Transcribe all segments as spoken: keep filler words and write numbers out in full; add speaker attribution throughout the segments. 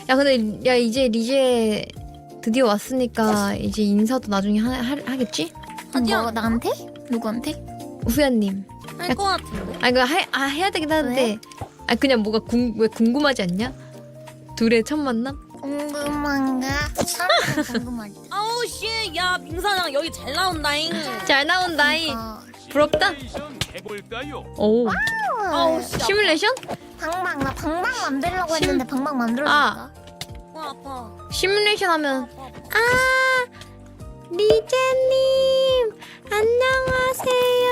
Speaker 1: 야 근데 야 이제 리제 드디어 왔으니까 이제 인사도 나중에 하, 하, 하겠지?
Speaker 2: 뭐 나한테? 누구한테?
Speaker 1: 후야님.
Speaker 3: 할 것 같은데?
Speaker 1: 아 이거 하, 아, 해야 되긴 하는데 아 그냥 뭐가 궁, 왜 궁금하지 않냐? 둘의 첫 만남?
Speaker 2: 궁금한가? 사람 궁금하지.
Speaker 3: 아우 씨, 야 민사장 여기 잘 나온다잉.
Speaker 1: 잘 나온다이.
Speaker 2: 어,
Speaker 1: 부럽다.
Speaker 4: 해볼까요?
Speaker 1: 오.
Speaker 3: 아우 씨.
Speaker 1: 시뮬레이션?
Speaker 2: 방방 나 방방 만들려고 했는데 방방 만들어줄까?
Speaker 1: 아.
Speaker 3: 아, 아파.
Speaker 1: 시뮬레이션 하면
Speaker 3: 아파.
Speaker 1: 아 리제님 안녕하세요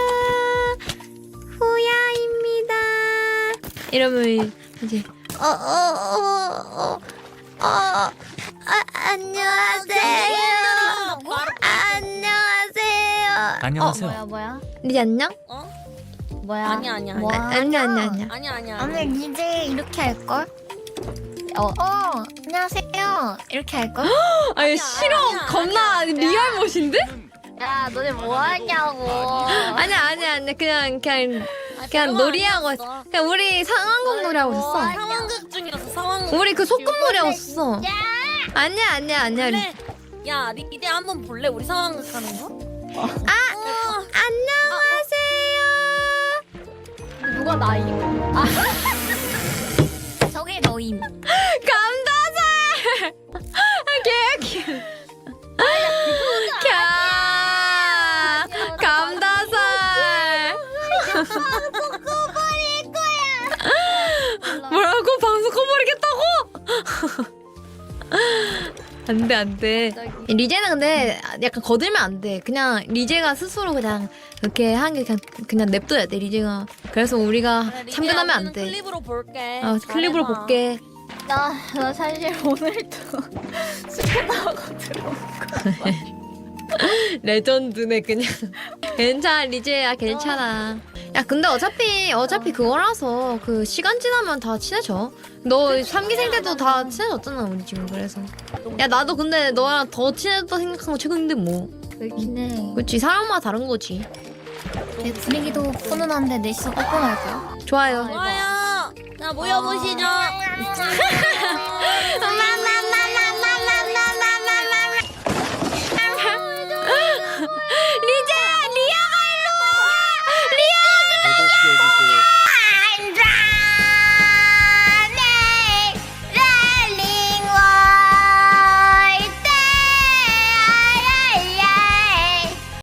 Speaker 1: 후야입니다 이러면 이제 어어어어어 아, 안녕하세요 안녕하세요
Speaker 4: 안녕하세요.
Speaker 2: 뭐야 뭐야?
Speaker 1: 리제 안녕?
Speaker 3: 어?
Speaker 2: 뭐야?
Speaker 3: 아니야, 아니야,
Speaker 2: 뭐야?
Speaker 1: 아, 아니야 아니야 아니야
Speaker 3: 아니야 아니야.
Speaker 2: 오늘 이제 이렇게 할 걸? 어, 어 안녕하세요 이렇게 할 걸?
Speaker 1: 아니
Speaker 3: 아니야,
Speaker 1: 싫어
Speaker 3: 아니야,
Speaker 1: 겁나
Speaker 3: 아니야.
Speaker 1: 리얼 멋인데?
Speaker 2: 야 너네 뭐 하냐고.
Speaker 1: 아니야 아니야 아니야 그냥 그냥
Speaker 3: 아,
Speaker 1: 그냥
Speaker 3: 별거
Speaker 1: 놀이하고
Speaker 3: 아니었어.
Speaker 1: 그냥 우리 상황극 놀이하고 있었어
Speaker 3: 상황극 중이라서 상황극.
Speaker 1: 우리 그 소꿉 놀이하고 있었어 아니야 아니야 아니야
Speaker 3: 볼래? 야 리대 한번 볼래? 우리 상황극 하는 거?
Speaker 1: 아 안녕하세요
Speaker 2: 누가 나임? 아 저게 너임.
Speaker 1: 감다살 개귀 캬 감다살 뭐라고 방송 꺼버리겠다고? 안돼 안돼 리제는 근데 약간 거들면 안돼 그냥 리제가 스스로 그냥 그렇게 하는 게 그냥 그냥 냅둬야 돼 리제가 그래서 우리가
Speaker 3: 그래, 리대야,
Speaker 1: 참견하면
Speaker 3: 우리는
Speaker 1: 안돼
Speaker 3: 클립으로 볼게.
Speaker 1: 어, 클립으로
Speaker 3: 잘해봐.
Speaker 1: 볼게
Speaker 2: 나, 나 사실 오늘도 스캔하고 들어온 거.
Speaker 1: 레전드네 그냥 괜찮아 리제야 괜찮아 야 근데 어차피 어차피 그거라서 그 시간 지나면 다 친해져 너 삼 기생 때도 다 친해졌잖아 우리 지금 그래서 야 나도 근데 너랑 더 친해졌다 생각한 거 최근인데 뭐
Speaker 2: 그렇긴 해.
Speaker 1: 그치 사람마다 다른 거지
Speaker 2: 내 분위기도 훈훈한데 넷이서 뽀뽀할 거야.
Speaker 1: 좋아요
Speaker 3: 좋아요. 자 모여보시죠.
Speaker 1: 엄마